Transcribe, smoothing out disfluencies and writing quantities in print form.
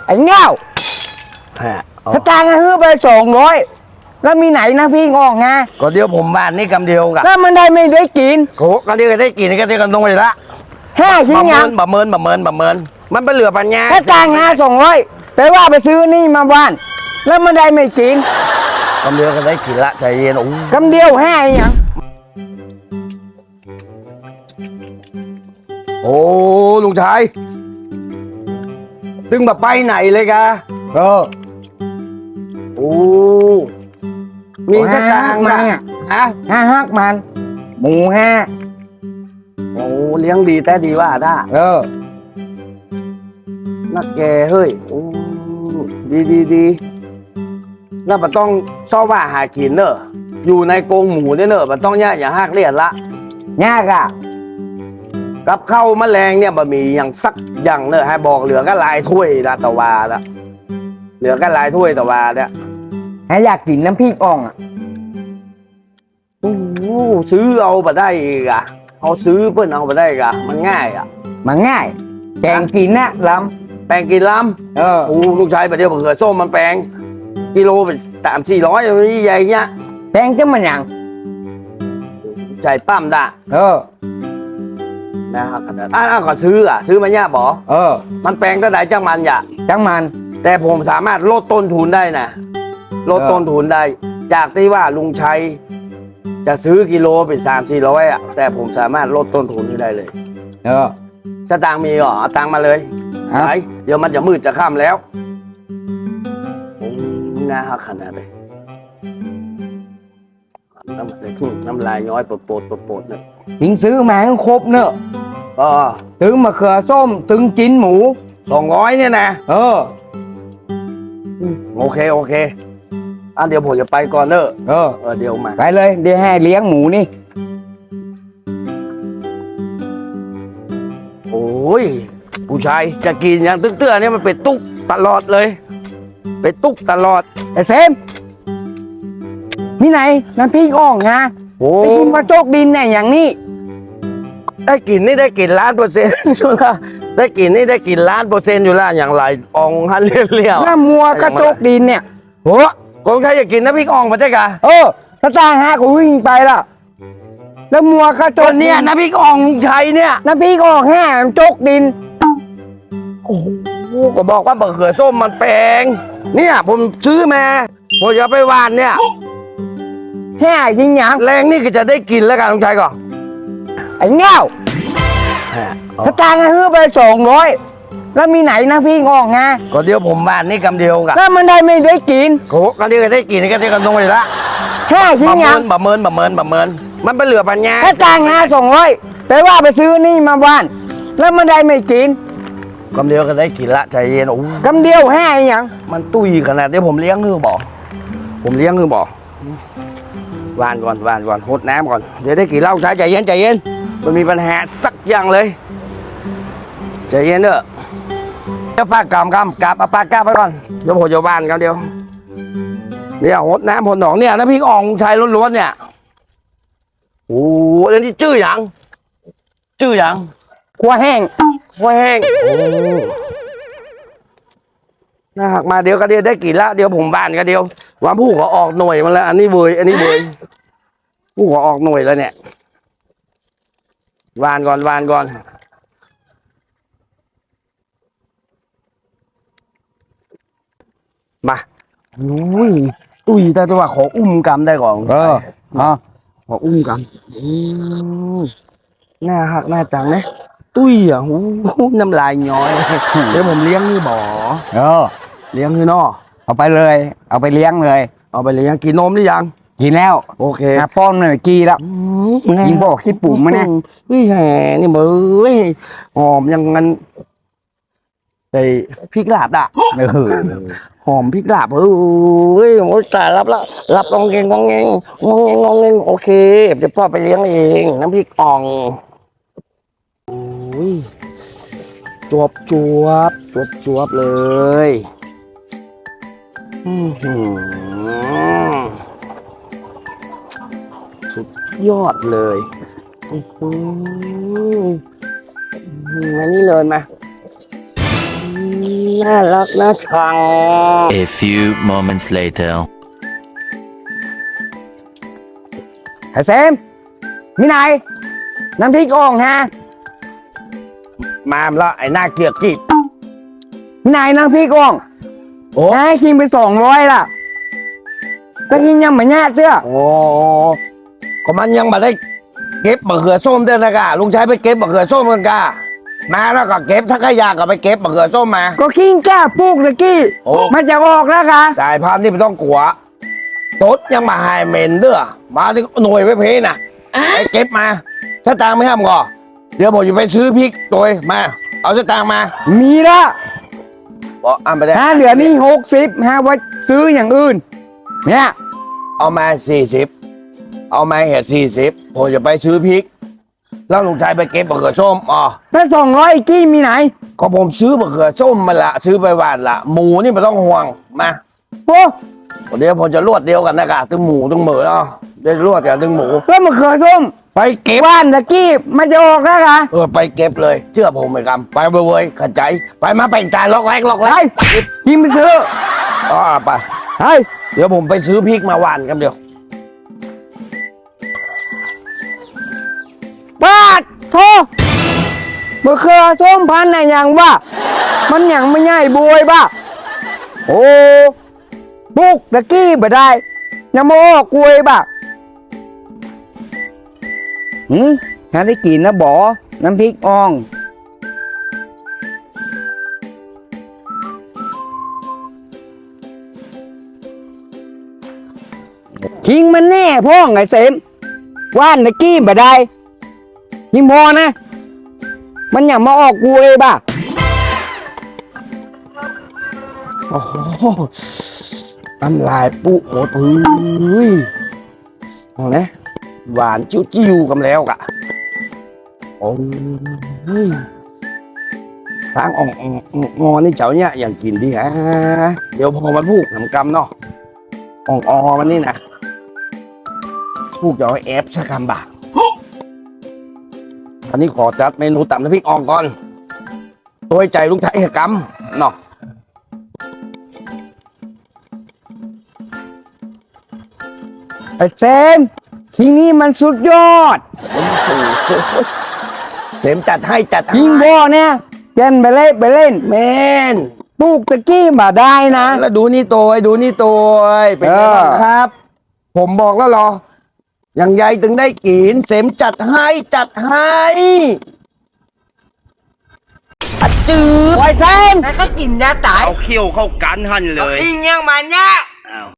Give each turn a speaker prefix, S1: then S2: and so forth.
S1: ไอ้เง่าถ้าจ้างให้ซื้อไป200แล้วมีไหนนะพี่งอกไง
S2: ก็เดียวผมบ้านนี่กำเดียวกับ
S1: แล้วมันได้ไม่ได้กิน
S2: โกเดียวก็ได้กินก็เดียวกันตรงเลยละ
S1: 5 ชิ้นยัง
S2: บะเมินมันเป็นเหลือปัญญา
S1: ถ้าจ้าง200แต่ว่าไปซื้อนี่มาบ้านแล้วมันได้ไม่กิน
S2: กำเดียวก็ได้กินละใจเย็น
S1: กำเดียว5ยัง
S2: โอ้ลุงชายตึงแบบไปไหนเลยกะโอ้มีสตางค์นะ
S1: ฮะ5 มันหมู5
S2: โอ้เลี้ยงดีแต่ดีว่าได้นักแกเฮ้ยดีแล้วมันต้องซ่อว่าหากินเนอะอยู่ในกรงหมูเนี่ยเนอะมันต้องย่าอย่าหักเลียดละ
S1: ยากอ่ะ
S2: กับข้าวแมลงเนี่ยบะหมี่อย่างสักอย่างเนอะให้บอกเหลือก็ลายถ้วยละตะวาละเหลือก็ลายถ้วยตะวาเนี่ย
S1: อยากกินน้ำพริกอ่องอ่ะ
S2: ซื้อเอาไปได้กะเอาซื้อเพื่อนเอาไปได้กะมันง่ายอ่ะ
S1: มันง่ายแกงกินนะล้
S2: ำแปลงกินล้ำลูกชายประเดี๋ยวเผื่อส้มมันแปลงกิโลเป็น300-400ใหญ่เงี้ย
S1: แปลงจะมันอย่าง
S2: ใจปั้มด่ะนะครับก่อนซื้อมาเนี่ยบอมันแปลงตั้งแต่จังมันแต่ผมสามารถลดต้นทุนได้นะลดต้นทุนได้จากที่ว่าลุงชัยจะซื้อกิโลเป็น300-400อ่ะแต่ผมสามารถลดต้นทุนได้เลยสตางค์มีเหรอเอาตังค์มาเลยไหนเดี๋ยวมันจะมืดจะค่ำแล้วน่าฮักขนาดเลยน้ำลายย้อยโปดเนี่ย
S1: ถึงซื้อมาครบเนอะถึงมะเขือส้มถึงจิ้นหมู
S2: 200เนี่ยนะโอเคเดี๋ยวผมจะไปก่อนเนอะเดี๋ยวมา
S1: ไปเลยเดี๋ยวให้เลี้ยงหมูนี่
S2: โอ้ยผู้ชายจะกินอย่างเตื้อเนี่ยมันเป็นตุ๊กตลอดเลยเป็นตุ๊กตลอด
S1: ไอ้เซมมีไหนน้ำพริกอ่องนะไปกินมาโจกดินเนี่ยอย่างนี้
S2: ได้กินนี่ได้กิน1,000,000%อยู่ละได้กินนี่ได้กิน1,000,000%อยู่ละอย่างไรอ่องฮันเลี้ยว
S1: น้ำมัวกระโจกดินเนี่ย
S2: โหคนใครอยากกินน้ำพริกอ่องมาใช่กะ
S1: ถ้าจ้าง5กูวิ่งไปละแล้วมัวกระโจก
S2: เนี่ยน้ำพริกอ่องใช้เนี่ย
S1: น้ำพริกอ่องโจกดิน
S2: โอ้โหก็บอกว่ามะเขือส้มมันแปลงเนี่ยผมซื้อมาผมจะไปหวานเนี่ย
S1: จริงอย่าง
S2: แรงนี่ก็จะได้กินแล้วกันลุงชัยก่อน
S1: ไอ้เง่าถ้าจ้างให้ซื้อไป200แล้วมีไหนนะพี่งอกไง
S2: ก็เดียวผมบ้านนี่กำเดียวกับ
S1: แล้วมันได้ไม่ได้กิน
S2: โกเดียวก็ได้กินก็เดียวกันตรงเลยละ
S1: 5 ชิ้นยัง
S2: บะเมินมันเป็นเหลือปัญญา
S1: ถ้าจ้าง200แต่ว่าไปซื้อนี่มาบ้านแล้วมันได้ไม่กิน
S2: กำเดียวก็ได้กินละใจเย็น
S1: กำเดียว5ยัง
S2: มันตุ้ยขนาดเดี๋ยวผมเลี้ยงคือบอกวานก่อนหดน้ำก่อนเดี๋ยวได้กินเหล้าใช้ใจเย็นมันมีปัญหาสักอย่างเลยใจเย็นเด้อจะฝากกำกับเอาปากกาไปก่อนเดี๋ยวผมจะวานกันเดียวเนี่ยหดน้ำหดหนองเนี่ยน้ำพริกอ่องชายล้วนๆเนี่ยโอ้เดี๋ยวนี้ชื่ออย่าง
S1: ขัวแห้ง
S2: น่าหักมาเดี๋ยวก็เดียวได้กี่ละเดี๋ยวผมบานก็เดียววันผู้ขอออกหน่วยมาแล้วอันนี้เวยผู้ขอออกหน่วยแล้วเนี่ยวานก่อนมาตุ้ยแต่ว่าขออุ้มกำได้ก่อนขออุ้มกำน่าหักน่าจังนะตุ้ยอ่ะน้ำลายย้อยเดี๋ยวผมเลี้ยงนี่บ่เลี้ยงนี่นอ
S1: เอาไปเลยเอาไปเลี้ยงเลย
S2: กินนมหรือยัง
S1: กินแล้ว
S2: โอเค
S1: ป้อนหน่อยกีแล้วกินบอกคิดปุ่มมาเนี่ย
S2: แหมนี่เบยหอมยังงั้นไอ้พริกลาบอ่ะหอมพริกลาบโอ้ยตายรับงองเงงโอเคเดี๋ยวพ่อไปเลี้ยงเองน้ำพริกอ่องจวบเลยสุดยอดเลยมานี่เลยมาน่ารักน่าชัง
S3: A few moments later.
S1: ไอ้เซมมีไหนน้ำพริกอ่องฮะ
S2: มาแล้วไอ้หน้าเกลียดกีบ
S1: มีไหนน้ำพริกอ่อง
S2: โอ้
S1: ให้คิงไป200ล่ะก็กินยังไม่แย่เสื้อ
S2: โอ้ก็มันยังมาได้เก็บมะเขือส้มเด้อนะกะลุงชัยไปเก็บมะเขือส้มกันกะมาแล้วก็เก็บถ้าขยะก็ไปเก็บมะเขือส้มมา
S1: ก็คิงแก้ปลูกตะกี้
S2: โอ้
S1: มันจะออกแล้วค่ะ
S2: สายพันธุ์นี่ไม่ต้องกลัวตดยังมาหายเหม็นเด้อมาที่หน่วยไว้เพน่ะไปเก็บมาสตางค์ไม่ห้ามก่อเดี๋ยวผมจะไปซื้อพริกตัวมา เอาสตางค์มา
S1: มีละ
S2: บอกอ่านไปได้
S1: เหลือนี่60ไว้ซื้ออย่างอื่น เนี่ย
S2: เอามา40เอามาเหตุ40ผมจะไปซื้อพริก แล้วลุงชายไปเก็บมะเขือส้มอ๋อ
S1: แล้ว200อีกกี้มีไหน
S2: ก็ผมซื้อมะเขือส้มมาละซื้อไปหวานละหมูนี่ไม่ต้องห่วงมา
S1: โอ้
S2: เดี๋ยวผมจะรวดเดียวกันนะกะตึงหมูตึงเหมือเนาะเดี๋ยวรวดกันตึงหมู
S1: แล้วมะเขือส้ม
S2: ไปเก็บ
S1: ว่านตะกี้มันจะออกแล้วค่ะ
S2: ไปเก็บเลย เชื่อผมไหมครับไปเว้ยๆขัดใจ ไปมาไปจานล็อกแรกล็อก
S1: ไป
S2: แรก
S1: กินไปซื้อ
S2: อ๋อไป
S1: เฮ้ย
S2: เดี๋ยวผมไปซื้อพริกมาหวานกันเดี๋ยว
S1: ปาดโทมะเขือส้มพันธุ์ไหนอย่างบ้ามันอย่างไม่ใหญ่บวยบ้าโอ้บุกตะกี้บ่ได้ยังมาออกกล้วยบ้าฉันได้กินนะบอน้ำพริกอ่องคิงมันแน่พ่องไอ้เสมว่านตะกี้บ่ได้ยิงพอนะ มันอย่างมาออกกล้วยบ้า
S2: โอ้โหน้ำลายปุ๊หมดพื้ยมองนะหวานจิ้วๆกันแล้วกะโอ้ยทางอ่องงอนี่เจ้าเนี่ยอย่างกินดีฮะเดี๋ยวพอมันพูกทำกรรมเนาะอ่องมันนี่นะพูกจะเอาแอฟสักคำบ่าอันนี้ขอจัดเมนูตำน้ำพริกอ่องก่อนตัวใจลุงไทยกรรมเนาะ
S1: ไอ้เซมทีนี้มันสุดยอด
S2: เต็มจัดให้จัด
S1: ยิงพ่อเนี่ยเล่นไปเล่น
S2: แมน
S1: ปลูกตะกี้มาได้นะ
S2: แล้วดูนี่ตัวดูนี่ตัวเป็นไงบ้างครับ ผมบอกแล้วเหรอ อย่างใหญ่ถึงได้กินเสมจัดให้จัดให้อะจืด
S1: ไอ้เซมแล้วก็กินยาตาย
S3: เอาเขี้ยวเข้ากันหันเลย
S1: ยิงยังมันเนี่ย
S3: อ้าว